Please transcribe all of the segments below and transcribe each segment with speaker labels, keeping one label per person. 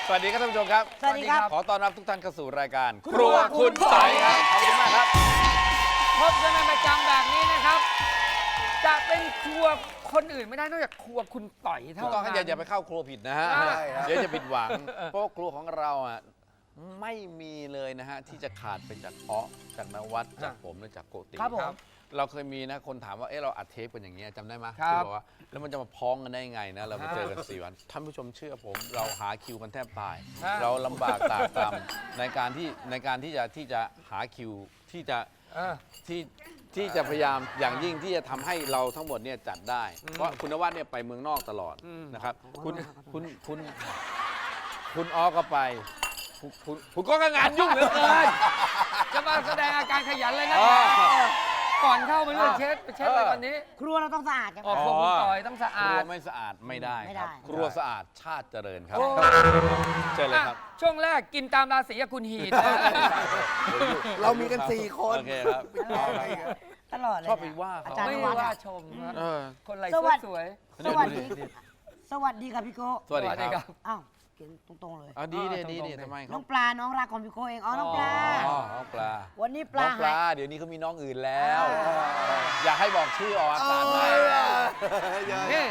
Speaker 1: สวัสดีครับท่านผู้ชมครับ
Speaker 2: สวัสดีครับ
Speaker 1: ขอต้อนรับทุกท่านเข้าสู่รายการครัวคุณไต่ครับขอบคุณมากครับ
Speaker 3: พบกันเป็นประจำแบบนี้นะครับ จะเป็นครัวคนอื่นไม่ได้นอกจากครัวคุณต่อย
Speaker 1: ถู
Speaker 3: เท่าก
Speaker 1: ต้อง
Speaker 3: นั้
Speaker 1: ครับอย่าไปเข้าครัวผิดนะฮะ
Speaker 3: ใช่ครับ
Speaker 1: เดี๋ยวจะผิดหวัง เพราะว่าครัวของเราอ่ะไม่มีเลยนะฮะที่จะขาดไปจากจากนวัดจากผมและจากโกติ
Speaker 2: ครับผม
Speaker 1: เราเคยมีนะคนถามว่าเออเราอัดเทปกันอย่างเงี้ยจำได้ไหม
Speaker 3: ครับ
Speaker 1: ที่บอกว่าแล้วมันจะมาพ้องกันได้ยังไงนะเรามาเจอกัน4 วันท่านผู้ชมเชื่อผมเราหาคิวกันแทบตาย เราลำบากตากตำในการที่จะหาคิวที่จะ ที่จะพยายามอย่างยิ่งที่จะทำให้เราทั้งหมดเนี่ยจัดได้ เพราะคุณนวัดเนี่ยไปเมืองนอกตลอดนะครับคุณออก็ไปคุณก็งานยุ่งเหลือเกิน
Speaker 3: จะมาแสดงอาการขยันเลยนะก่อนเข้าไปเรื่องเช็ดไปเช็ดอะไรวันนี้
Speaker 2: ครัวเราต้องสะอาดกัน
Speaker 3: ออกครัวคุณต่อยต้องสะ
Speaker 1: ค
Speaker 3: อา
Speaker 1: รัว
Speaker 3: ด
Speaker 1: ไม่สะอาดไม่ได้
Speaker 2: ไม่
Speaker 1: ครับ
Speaker 2: ได้
Speaker 1: ครัวสะอาดชาติเจริญครับ
Speaker 3: โอ้
Speaker 1: เชิญเลยครับ
Speaker 3: ช่วงแรกกินตามราศีกับคุณหีดนะ
Speaker 4: เรามีกัน4 คน
Speaker 1: โอเคครับ
Speaker 2: ตลอดเลย
Speaker 1: ชอบไปว่าเขา
Speaker 2: อาจารย์
Speaker 3: ไม่
Speaker 2: นวัด
Speaker 3: ว่า
Speaker 2: อะ
Speaker 3: ชมนะ
Speaker 1: เออ
Speaker 3: คนไร
Speaker 2: สวัสดี
Speaker 3: สวย
Speaker 2: สวัสดี สวัสดีครับพี่โก้
Speaker 1: สวัสดีครับ
Speaker 2: อ้าวเขียนตรงๆเลย
Speaker 1: เอาดีทำไมค
Speaker 2: น้
Speaker 1: รั
Speaker 2: องปลาน้องรักของพี่โก้เองอ๋อน้องปลา
Speaker 1: อ๋อน้องปลา
Speaker 2: วันนี้ป
Speaker 1: น้
Speaker 2: ลา
Speaker 1: องปลา
Speaker 2: หาย
Speaker 1: เดี๋ยวนี้เขามีน้องอื่นแล้ว อยากให้บอกชื่อออกอากาศไหม
Speaker 3: นี่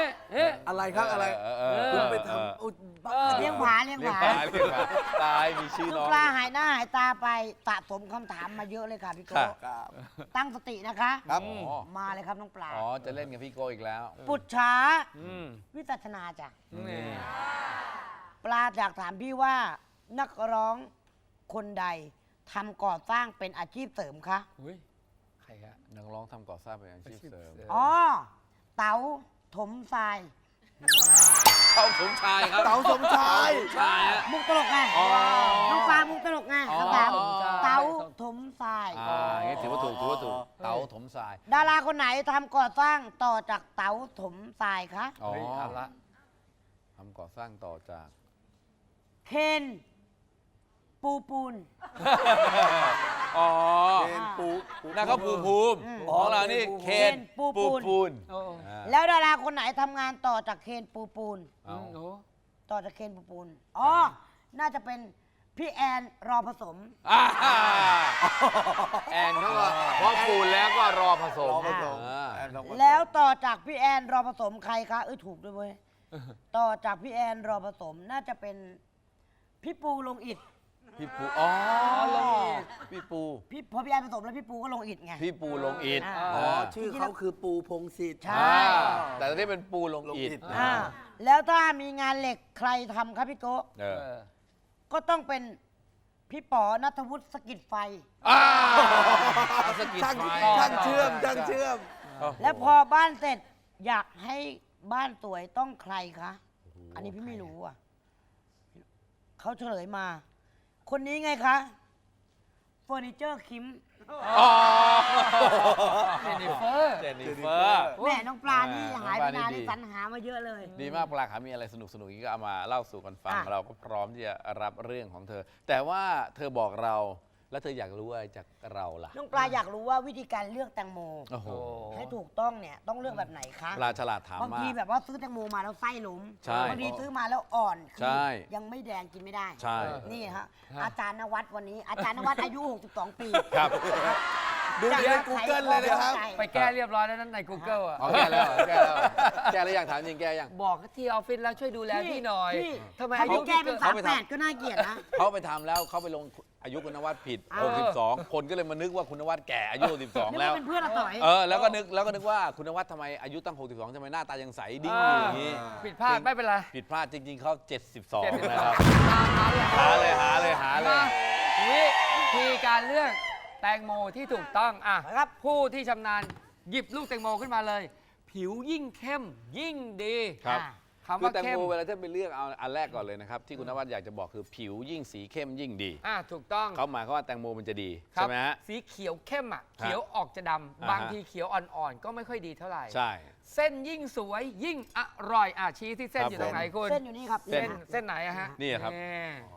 Speaker 4: อะไรครับอะไร คุณไปทำอุ๊ยบ้า
Speaker 2: เลี้ยงผาเลี้ยง
Speaker 1: เรียก
Speaker 2: ผา
Speaker 1: ปลาเรียกปลาตายมีชื่อ
Speaker 2: น้
Speaker 1: น้
Speaker 2: อ
Speaker 1: อง ง
Speaker 2: ปลาหายหน้าหายตาไปสะสมคำถามมาเยอะเลยค่ะพี่โก้
Speaker 1: ครับ
Speaker 4: ครับ
Speaker 2: ตั้งสตินะคะ
Speaker 4: ครับ
Speaker 1: อ๋อ
Speaker 2: มาเลยครับน้องปลา
Speaker 1: อ๋อจะเล่นกับพี่โกอีกแล้ว
Speaker 2: ปุจฉา
Speaker 3: อืม
Speaker 2: วิจัชนาจ้ะ
Speaker 3: นี่
Speaker 2: ปลาอยากถามพี่ว่านักร้องคนใดทำก่อสร้างเป็นอาชีพเสริมคะ
Speaker 3: อุ้ยใครครับ
Speaker 1: นักร้องทำก่อสร้างเป็นอาชีพเสริม
Speaker 2: อ๋อ เต๋าถมทราย
Speaker 1: เขาสมชายครับ
Speaker 4: เต๋าสมชาย
Speaker 1: ชายฮะ
Speaker 2: มุกตลกไง
Speaker 1: อ๋อ
Speaker 2: น้องปลามุกตลกไง
Speaker 1: อ๋อ
Speaker 2: คำถาม
Speaker 1: อ๋อ
Speaker 2: เต๋าถมทราย
Speaker 1: อย่างนี้ถือว่าถูกเต๋าถมทราย
Speaker 2: ดาราคนไหนทำก่อสร้างต่อจากเต๋าถมทรายคะ
Speaker 1: อ๋อ
Speaker 3: เฮ้ยเอาละ
Speaker 1: ทำก่อสร้างต่อจาก
Speaker 2: เคนปูน
Speaker 1: อ๋อ
Speaker 4: เป็นปู
Speaker 1: นั่นเขาภูมิของเรานี่เคน
Speaker 2: ปูน
Speaker 3: โอ้
Speaker 1: อ่า
Speaker 2: แล้วดาราคนไหนทำงานต่อจากเคนปูน
Speaker 1: เอา
Speaker 3: โห
Speaker 2: ต่อจากเคนปูนอ๋อ น่าจะเป็นพี่แอนรอผสม
Speaker 1: อ่าแอนเขาก็พอปูนแล้วก็รอผสม
Speaker 4: รอผสม
Speaker 1: อ่า
Speaker 2: แล้วต่อจากพี่แอนรอผสมใครคะถูกด้วยเว้ย ต่อจากพี่แอนรอผสมน่าจะเป็นพี่ปูลงอิฐ
Speaker 1: พี่ปูอ๋อลงอิฐพี่ปู
Speaker 2: พอพี่แอนผสมแล้วพี่ปูก็ลงอิฐไง
Speaker 1: พี่ปูลงอิฐ
Speaker 4: อ๋อ ชื่อเขาคือปูพงศิษฐ์
Speaker 2: ใช่
Speaker 1: แต่ตอนนี้เป็นปูลงอิฐ
Speaker 4: ลงอิฐ
Speaker 2: อ่าแล้วถ้ามีงานเหล็กใครทำครับพี่โกะ
Speaker 1: เออ
Speaker 2: ก็ต้องเป็นพี่ป๋อนัทวุฒิสกิดไฟ
Speaker 1: สกิด
Speaker 4: ช่าง
Speaker 1: ไฟ
Speaker 4: ช่างเชื่อมช่างเชื่อม
Speaker 2: แล้วพอบ้านเสร็จอยากให้บ้านสวยต้องใครคะ อันนี้พี่ไม่รู้อ่ะเขาเฉลยมา คนนี้ไงคะเฟอร์นิเจอร์คิม
Speaker 1: อ๋อ
Speaker 3: เจนนิเฟอร์
Speaker 1: เจนนิเฟอร์
Speaker 2: แม่น้องปลานี่หายไปนาน
Speaker 1: น้องปลานี่
Speaker 2: นี่
Speaker 1: ดี
Speaker 2: สรรหามาเยอะเลย
Speaker 1: ดีมากปลาขามีอะไรสนุกอีกก็เอามาเล่าสู่กันฟัง
Speaker 2: อ่ะ
Speaker 1: เราก็พร้อมที่จะรับเรื่องของเธอ แต่ว่าเธอบอกเราแล้วเธออยากรู้อะไรจากเราล่ะ
Speaker 2: น้องปลาอยากรู้ว่าวิธีการเลือกแตงโม
Speaker 1: โอ้โห
Speaker 2: ให้ถูกต้องเนี่ยต้องเลือกแบบไหนคะ
Speaker 1: ปลาฉลาดถาม
Speaker 2: บาง
Speaker 1: มา
Speaker 2: ที
Speaker 1: ก
Speaker 2: แบบว่าซื้อแตงโมมาแล้วไส้หลุม
Speaker 1: ใช่
Speaker 2: บางทีซื้อมาแล้วอ่อน
Speaker 1: ใช่
Speaker 2: ยังไม่แดงกินไม่ได้
Speaker 1: ใช่
Speaker 2: นี่ฮะอาจารย์นวัดวันนี้ อาจารย์นวัดอายุ 62 ปี
Speaker 1: ครับ
Speaker 4: ดูใน Google เลยนะครับ
Speaker 3: ไปแก้เรียบร้อยแล้วนั่นใน Google อ่ะ
Speaker 1: อ๋อแก้แล้วแก้แล้วแก้แล้วยังถามจริงแก้ยัง
Speaker 3: บอกที่ออฟฟิศแล้วช่วยดูแลพี่หน่อย
Speaker 2: พี่
Speaker 3: ทำไม
Speaker 2: ถ้า
Speaker 3: อายุ
Speaker 2: พี่แก้เป็น
Speaker 1: เขาไปทำ
Speaker 2: 38ก็น่าเกลียดนะ
Speaker 1: เขาไปทำแล้วเขาไปลงอายุคุณนวัดผิด 62 คนก็เลยมานึกว่าคุณนวัดแก่อายุ 62
Speaker 2: นึก
Speaker 1: แล้ว
Speaker 2: ว่าเป็นเพื่อนเราต่อย
Speaker 1: แล้วก็นึกว่าคุณนวัดทำไมอายุตั้ง 62ทำไมหน้าตายังใสดิ้งอยู่อย่างนี้
Speaker 3: ผิดพลาดไม่เป็นไร
Speaker 1: ผิดพลาดจริง ๆเขา72
Speaker 3: 72
Speaker 1: นะครับ
Speaker 3: ตามนั้นแหละ
Speaker 1: หาเลย
Speaker 3: มาวิธีการเลือกแตงโมที่ถูกต้องอ่ะ
Speaker 2: ครับ
Speaker 3: ผู้ที่ชำนาญหยิบลูกแตงโมขึ้นมาเลย ผิวยิ่งเข้มยิ่งดี
Speaker 1: ครับ
Speaker 3: คำ
Speaker 1: คือ
Speaker 3: ว่า
Speaker 1: แตง
Speaker 3: เข้ม
Speaker 1: โมเวลาท่านไปเลือกเอาอันแรกก่อนเลยนะครับ ที่คุณนวัดอยากจะบอกคือผิวยิ่งสีเข้มยิ่งดี
Speaker 3: ถูกต้อง
Speaker 1: เขาหมายความว่าแตงโมมันจะดี
Speaker 3: ครั
Speaker 1: ใช่ไหมฮะ
Speaker 3: สีเขียวเข้มอ่ะเขียวออกจะดำบางทีเขียวอ่อนๆ ก็ไม่ค่อยดีเท่าไหร่
Speaker 1: ใช่
Speaker 3: เส้นยิ่งสวยยิ่งอร่อยชี้ที่เส้น
Speaker 1: ครับ
Speaker 3: อยู่ตรงไหนคุณ
Speaker 2: เส้นอยู่นี่ครับ
Speaker 1: เส้น
Speaker 3: เส้นไหนอะฮะ
Speaker 1: นี่ครับ
Speaker 3: นี่
Speaker 1: อ๋อ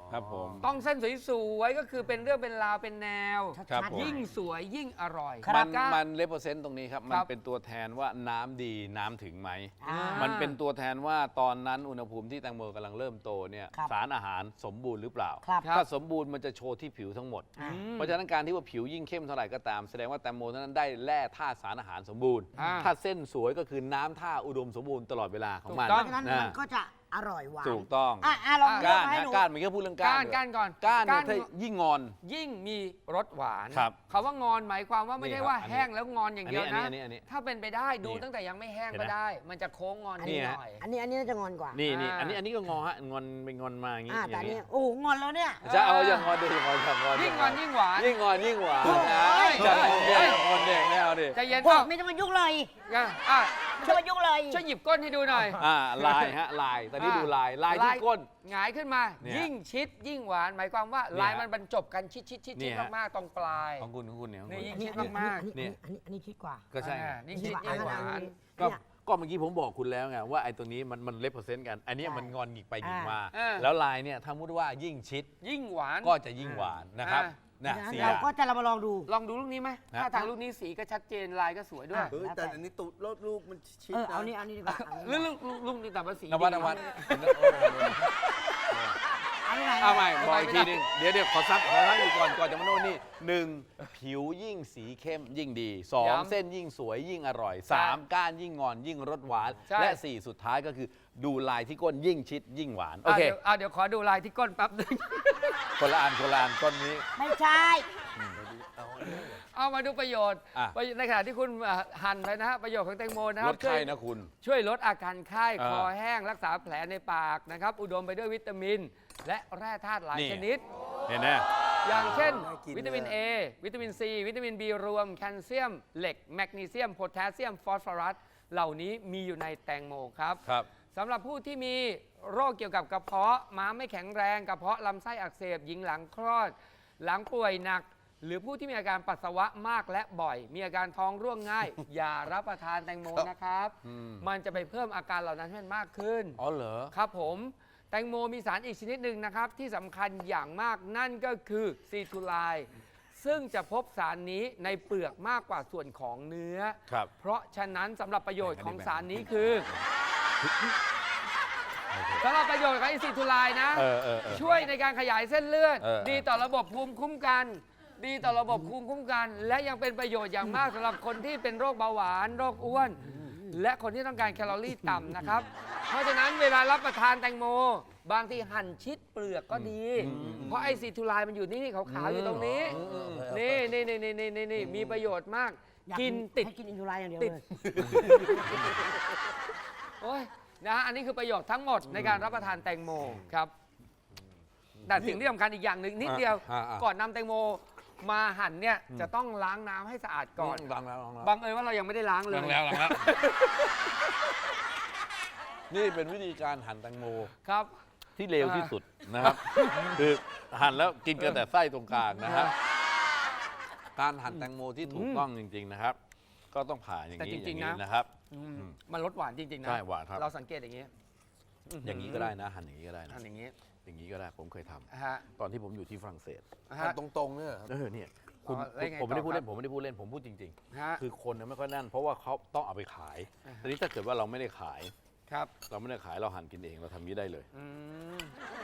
Speaker 1: ครับผม
Speaker 3: ต้องเส้นสวยๆก็คือเป็นเรื่องเป็นราวเป็นแนว
Speaker 1: ครับผม
Speaker 3: ยิ่งสวยยิ่งอร่อย
Speaker 1: มันเลเปอร์เซ็นต์ตรงนี้ครับ มันเป็นตัวแทนว่าน้ำดีน้ำถึงไหม มันเป็นตัวแทนว่าตอนนั้นอุณหภูมิที่แตงโมกำลังเริ่มโตเนี่ย
Speaker 2: ครับ
Speaker 1: สารอาหารสมบูรณ์หรือเปล่า
Speaker 2: ครับ
Speaker 1: ถ้าสมบูรณ์มันจะโชว์ที่ผิวทั้งหมด เพราะฉะนั้นการที่ว่าผิวยิ่งเข้มเท่าไหร่ก็ตาม แสดงว่าแตงโมนั้นได้แร่ธาตุสารอาหารสมบูรณ์ ถ้าเส้นสวยก็คือน้ำท่าอุดมสมบูรณ์ตลอดเวลาของมัน
Speaker 2: เพราะฉะนั้นมันก็จะอร่อยหวาน
Speaker 1: ถูกต้อง
Speaker 2: ลองเลือก
Speaker 1: ก้าน
Speaker 2: มาให้
Speaker 1: นะ
Speaker 2: ดู
Speaker 1: ก้านมันแค่พูดเรื่องก้าน
Speaker 3: ก้านก่อน
Speaker 1: ก้านเนี่ยถ้ายิ่งงอน
Speaker 3: ยิ่งมีรสหวาน
Speaker 1: ครับ
Speaker 3: คำว่างอนหมายความว่าไม่ได้ว่า
Speaker 1: นี่ครับ
Speaker 3: แห้งแล้วงอนอย่างเดียวนะ
Speaker 1: อันนี้
Speaker 3: ถ้าเป็นไปได้ดู
Speaker 1: นี่
Speaker 3: ตั้งแต่ยังไม่แห้ง
Speaker 1: เห็น
Speaker 3: ก็
Speaker 1: ไหม
Speaker 3: ได้ มันจะโค้งงอน
Speaker 1: นี่
Speaker 3: นิด
Speaker 1: ฮะ
Speaker 3: หน่อย
Speaker 2: อันนี้น่าจะงอนกว่า
Speaker 1: นี่
Speaker 3: อ่า
Speaker 1: อันนี้ก็งอฮะงอนเป็นงอนมาอย่างนี้
Speaker 2: แต่
Speaker 1: อย่าง
Speaker 2: อัน
Speaker 1: นี้
Speaker 2: นี้โอ้โหงอนแล้วเนี่ย
Speaker 1: จะเอาอย่างงอนดิอย่างงอนอย่างงอน
Speaker 3: ยิ่งงอนยิ่งหวาน
Speaker 1: ยิ่งงอนยิ่งหวาน
Speaker 2: โอ้ย
Speaker 1: จะงอนเด็กงอนเด็กไม่เอาดิ
Speaker 3: ใจเย็น
Speaker 2: พว
Speaker 3: เอ้าก
Speaker 2: ไม่ต้องมายุ่งเลย
Speaker 3: อ่ะ
Speaker 2: ช่วยมายุ่งเลย
Speaker 3: ช่วยหยิบก้นให้ดูหน่อย
Speaker 1: ลายฮะลายตอนนี้ดูลายที่ก้น
Speaker 3: หงายขึ้นมา
Speaker 1: เนี่ย
Speaker 3: ยิ่งชิดยิ่งหวาน หมายความว่า
Speaker 1: เนี่ย
Speaker 3: ลายมันบรรจบกันชิดชิดชิด
Speaker 1: เนี่
Speaker 3: ชิด
Speaker 1: ยฮะ
Speaker 3: มากๆตรงปลาย
Speaker 1: ของคุณเนี่ยของ
Speaker 3: นี่
Speaker 1: คุณ
Speaker 3: ยิ่ง
Speaker 2: อันนี้
Speaker 3: ชิดมาก
Speaker 1: เนี่ย
Speaker 2: อันนี้คิดกว่า
Speaker 1: ก็ใช่
Speaker 3: นี่ชิดยิ่งหวาน
Speaker 1: ก็เมื่อกี้ผมบอกคุณแล้วไงว่าไอ้ตัวนี้มันเลเปอร์เซ็นต์กัน อันนี้มันงอนหงิกไปหงิกมา
Speaker 3: อ่า
Speaker 1: แล้วลายเนี่ยถ้ามุดว่ายิ่งชิด
Speaker 3: ยิ่งหวาน
Speaker 1: ก็จะยิ่งหวานนะครับ
Speaker 2: เพราะ
Speaker 1: นะ
Speaker 2: ฉะนั้น
Speaker 1: สี่อ
Speaker 2: เรา
Speaker 1: ย่าง
Speaker 2: ก็จะเรามาลองดู
Speaker 3: ลองดูลูกนี้ไหม
Speaker 1: นะ
Speaker 3: ถ้าทางลูกนี้สีก็ชัดเจนลายก็สวยด้วย
Speaker 4: เฮ้ยแต่อันนี้ตุดรถลูกมันชิด
Speaker 2: เอา
Speaker 4: นะ
Speaker 2: นี่ดีกว่า
Speaker 3: ลูกนี่แต่ว่าสี
Speaker 1: นวัด
Speaker 3: ดี
Speaker 1: นวัด
Speaker 2: เอานี่ไหน
Speaker 1: เอาใหม่บอกอีกทีหนึงเดี๋ยวขอซักอยู่ก่อนจะมาโน่นนี่หนึ่งผิวยิ่งสีเข้มยิ่งดีสองเส้นยิ่งสวยยิ่งอร่อยสามก้านยิ่งงอนยิ่งรสหวานและสี่สุดท้ายก็คือดูลายที่ก้นยิ่งชิดยิ่งหวานโอเค
Speaker 3: เดี๋ยวขอดูลายที่ก้นแป๊บนึง
Speaker 1: คนละอันก้นนี้
Speaker 2: ไม่ใช่
Speaker 3: เอามาดูประโยชน์
Speaker 1: อ่ะ
Speaker 3: ในขณะที่คุณหั่นไปนะฮะประโยชน์ของแตงโมนะค
Speaker 1: ล
Speaker 3: รับ
Speaker 1: ดไข้นะคุณ
Speaker 3: ช่วยลดอาการไข้
Speaker 1: อ่า
Speaker 3: คอแห้งรักษาแผลในปากนะครับ อุดมไปด้วยวิตามิน และแร่ธาตุหลาย
Speaker 1: นี่
Speaker 3: ชนิด
Speaker 1: เห็นไหม
Speaker 3: อย่างเช่น
Speaker 4: น่ากิน
Speaker 3: วิตามิน A วิตามิน C วิตามิน B รวม แคลเซียม เหล็ก แมกนีเซียม โพแทสเซียม ฟอสฟอรัส เหล่านี้มีอยู่ในแตงโมครับ
Speaker 1: ครับ
Speaker 3: สำหรับผู้ที่มีโรคเกี่ยวกับกระเพาะม้ามไม่แข็งแรงกระเพาะลำไส้อักเสบหญิงหลังคลอด หลังป่วยหนัก หรือผู้ที่มีอาการปัสสาวะมากและบ่อย มีอาการท้องร่วงง่าย อย่ารับประทานแตงโมนะครับ มันจะไปเพิ่มอาการเหล่านั้นให้มันมากขึ้น
Speaker 1: อ๋อเหรอ
Speaker 3: ครับผมแตงโมมีสารอีกชนิดหนึ่งนะครับ ที่สำคัญอย่างมากนั่นก็คือซีทูไลน์ซึ่งจะพบสารนี้ในเปลือกมากกว่าส่วนของเนื้อ
Speaker 1: ครับ
Speaker 3: เพราะฉะนั้นสำหรับประโยชน์ของสารนี้คือสำหรับประโยชน์ของอินซีทูไลน์นะ ช่วยในการขยายเส้นเลือด ดีต่อระบบภูมิคุ้มกัน ดีต่อระบบภูมิคุ้มกัน และยังเป็นประโยชน์อย่างมากสำหรับคนที่เป็นโรคเบาหวานโรคอ้วน และคนที่ต้องการแคลอรี่ต่ำนะครับ เพราะฉะนั้นเวลารับประทานแตงโม บางทีหั่นชิดเปลือกก็ดี เพราะไอซีทูไลน์มันอยู่นี่ขาวๆอยู่ตรงนี้ นี่มีประโยชน์มาก
Speaker 2: อยา
Speaker 3: กินติด
Speaker 2: ให้กินอินทูไลน์อย่างเดียว
Speaker 3: ติด
Speaker 2: เลย
Speaker 3: โอ้ยนะฮะอันนี้คือประโยชน์ทั้งหมดในการรับประทานแตงโมครับ แต่สิ่งที่สำคัญอีกอย่างหนึ่งนิดเดียว ก่อนนำแตงโมมาหั่นเนี่ยจะต้องล้างน้ำให้สะอาดก่อน
Speaker 1: ล้างแล้ว
Speaker 3: บังเอิญว่าเรายังไม่ได้ล้างเลย
Speaker 1: ล้างแล้วนี่เป็นวิธีการหั่นแตงโม
Speaker 3: ครับ
Speaker 1: ที่เร็วที่สุดนะครับ คือหั่นแล้วกินกันแต่ไส้ตรงกลางนะครับ การหั่นแตงโมที่ถูกต้องจริง ๆนะครับ ก็ต้องผ่าอย่าง
Speaker 3: แต่
Speaker 1: นี้
Speaker 3: จริงๆ
Speaker 1: อย่าง
Speaker 3: นะ
Speaker 1: นี้นะครับ
Speaker 3: มันลดหวานจริงๆนะ
Speaker 1: ใช่หวานครับ
Speaker 3: เราสังเกตอย่างนี้
Speaker 1: อย่างนี้ก็ได้นะ หั่นอย่างนี้ก็ได้นะ
Speaker 3: ทำอย่างนี้
Speaker 1: อย่างนี้ก็ได้ผมเคยทำ
Speaker 3: ฮะ
Speaker 1: ตอนที่ผมอยู่ที่ฝรั่งเศส
Speaker 3: ฮะ
Speaker 4: ตรงๆเนี่ยครับ
Speaker 1: เนี่ยคุณ
Speaker 3: แล้วยังไง
Speaker 1: ผมไม่ได้
Speaker 3: ต่อ
Speaker 1: พูด
Speaker 3: ครั
Speaker 1: เล่
Speaker 3: บ
Speaker 1: นผมไม่ได้พูดเล่นผมพูดจริง
Speaker 3: ฮะ
Speaker 1: ๆ คือคนเนี่ยไม่ค่อยนั่น เพราะว่าเขาต้องเอาไปขายทีนี้ถ้าเกิดว่าเราไม่ได้ขาย
Speaker 3: ครับ
Speaker 1: เราไม่ได้ขายเราหั่นกินเองเราทำนี้ได้เลย
Speaker 3: อืม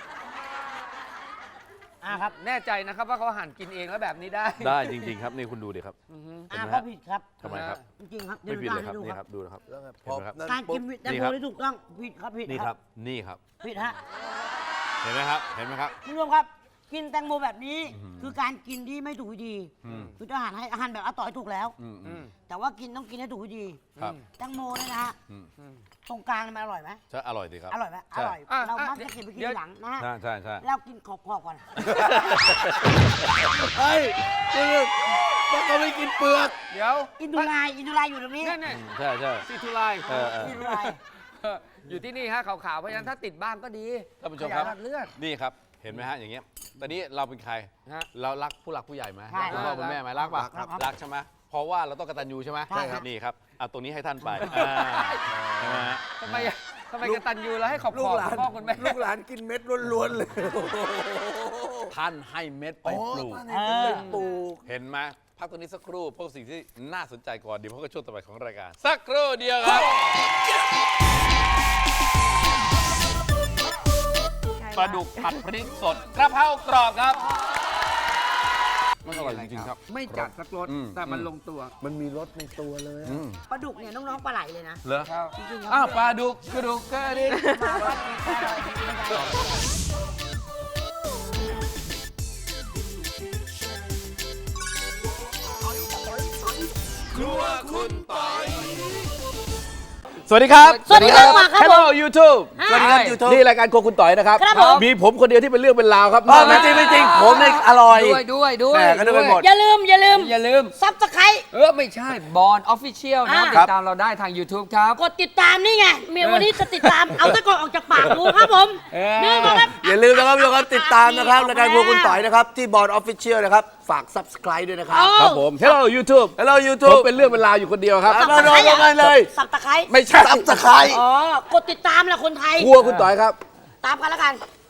Speaker 2: ครับ
Speaker 3: แน่ใจนะครับว่าเขาหั่นกินเองแล้วแบบนี้ได้
Speaker 1: ได้จริง ๆ ครับนี่คุณดูดิครับ เห็นไหมฮะ
Speaker 2: ก็ผิดครับ
Speaker 1: ทำไมครับ
Speaker 2: จริงๆครับ
Speaker 1: ไม่ผิดเลยครับ
Speaker 2: ดู
Speaker 1: นี่
Speaker 2: ค
Speaker 1: ค
Speaker 2: รั
Speaker 1: รับ บดูนะครับ
Speaker 4: แล้วไง
Speaker 1: เห็นไหมครับ
Speaker 4: นั่น
Speaker 2: การกิน
Speaker 4: ปุ๊บ
Speaker 2: แตง
Speaker 1: นี่
Speaker 2: โม
Speaker 1: ครับ
Speaker 2: ที่ถูกต้องผิดครับผิด
Speaker 1: นี่ครับนี่ครับ
Speaker 2: ผิดฮะ
Speaker 1: เห็นไหมครับเห็นไหมครับ
Speaker 2: คุณผู้ชมครับ กินแตงโมแบบนี้คือการกินที่ไม่ถูกวิธี คืออาหารให้อาหารแบบอาต่อยถูกแล้ว แต่ว่ากินต้องกินให้ถูกวิธี
Speaker 1: ครับ
Speaker 2: แตงโมเนี่ยนะฮะ ตรงกลางมันอร่อยไหม
Speaker 1: ใช่อร่อยสิครับ
Speaker 2: อร่อยไหมอ
Speaker 1: ใช่
Speaker 2: ร่อย เรามักจะเก็บไปกินทีหลังนะฮะ
Speaker 1: ใช่ใช่
Speaker 2: แล้วกินขอบๆก่อน
Speaker 4: เฮ้ยคือมันก็ไม่กินเปลือก
Speaker 3: เดี๋ยว
Speaker 2: อินทูไลน์อยู่ตรงนี้
Speaker 3: นั่นน่ะ
Speaker 1: ใช่ใช่
Speaker 3: ซีทูไลน์
Speaker 2: อินทูไลน์
Speaker 3: อยู่ที่นี่ฮะขาวๆเพราะฉะนั้นถ้าติดบ้างก็ดี
Speaker 1: ท่านผู้ชมครับ
Speaker 3: ขยายหลอดเลือด
Speaker 1: นี่ครับเห็นไหมฮะอย่างเงี้ยตอนนี้เราเป็นใคร
Speaker 3: ฮะ
Speaker 1: เรารักผู้หลักผู้ใหญ่ไหม
Speaker 2: ใช่
Speaker 1: รักคุณพ่อคุณแม่ไหมรักป่ะ
Speaker 2: รักครับ
Speaker 1: รักใช่ไหมเพราะว่าเราต้องกตัญญูใช่ไหม
Speaker 2: ใช่ครับ
Speaker 1: นี่ครับเอาตรงนี้ให้ท่านไปใช่ไหมฮะ
Speaker 3: ทำไมทำไมกตัญญูแล้วให้ขอบ
Speaker 4: ลู
Speaker 3: ข
Speaker 4: ก
Speaker 3: อบ
Speaker 4: หลาน
Speaker 3: พ่อคุณแม่
Speaker 4: ลูกหลานกินเม็ดล้วนๆเลย
Speaker 1: ท่านให้เม็ดไปปลูก
Speaker 4: ปลูก
Speaker 1: เห็นไหมพักตรงนี้สักครู่พวกสิ่งที่น่าสนใจก่อนเดี๋ยวพบกับช่วงต่อไปของรายการ สักครู่เดียวครับปลาดุกผัดพริกสดกระเพรากรอบครับมันอร่อยจริงๆครับ
Speaker 3: ไม่จัดสักรส
Speaker 1: อืม
Speaker 3: แต่มันลงตัว
Speaker 4: มันมีรสในตัวเลยอะ
Speaker 2: ปลาดุกเนี่ยน้องๆปลาไหลเลยนะ
Speaker 1: เหรอ
Speaker 3: ครับ
Speaker 2: จริงๆครับ
Speaker 1: อ้าวปลาดุกกระดูกกระดิ่ง
Speaker 2: มาวัดนี้ปลาไหลจริงๆครับ
Speaker 1: สวัสดีครับ
Speaker 2: สวัสดีครับมาครับ
Speaker 1: Hello YouTube
Speaker 2: ฮะ
Speaker 4: สวัสดีครับยูทูบ
Speaker 1: นี่รายการโครัวคุณต่อยนะครับ
Speaker 2: ครับผม
Speaker 1: มีผมคนเดียวที่เป็นเรื่องเป็นราวครับ
Speaker 4: ไม่จริงไม่จริงผมเนี่ยอร่อย
Speaker 3: ด้วย
Speaker 4: แหม่ก็นึกไปหมด
Speaker 2: อย่าลืม
Speaker 3: อย่าลืม
Speaker 2: ซับสไคร
Speaker 3: ไม่ใช่บอลออฟฟิเชียลนะ
Speaker 2: อ่า
Speaker 3: ติดตามเราได้ทาง YouTube ครับ
Speaker 2: กดติดตามนี่ไงเมียวันนี้จะติดตาม เอาตะกอนออกจากปากดูครับผม
Speaker 3: เออ
Speaker 2: นี่นะครับ
Speaker 4: อย่าลืมนะครับทุกคนติดตามนะครับรายการพวกคุณต่อยนะครับที่บอร์ดออฟฟิเชียลนะครับฝาก subscribe ด้วยนะครับ
Speaker 1: ครับผม Hello YouTube
Speaker 4: Hello
Speaker 1: ผม
Speaker 4: YouTube
Speaker 1: เป็นเรื่องเป็นราวอยู่คนเดียวครับ
Speaker 4: เอาโดนกันเลย
Speaker 2: สับตะไคร้
Speaker 1: ไม่ใช่
Speaker 4: subscribe
Speaker 2: อ๋อ กดติดตามแหละคนไทย
Speaker 1: ครัวคุณต่อยครับ
Speaker 2: ตามกันแล้วกัน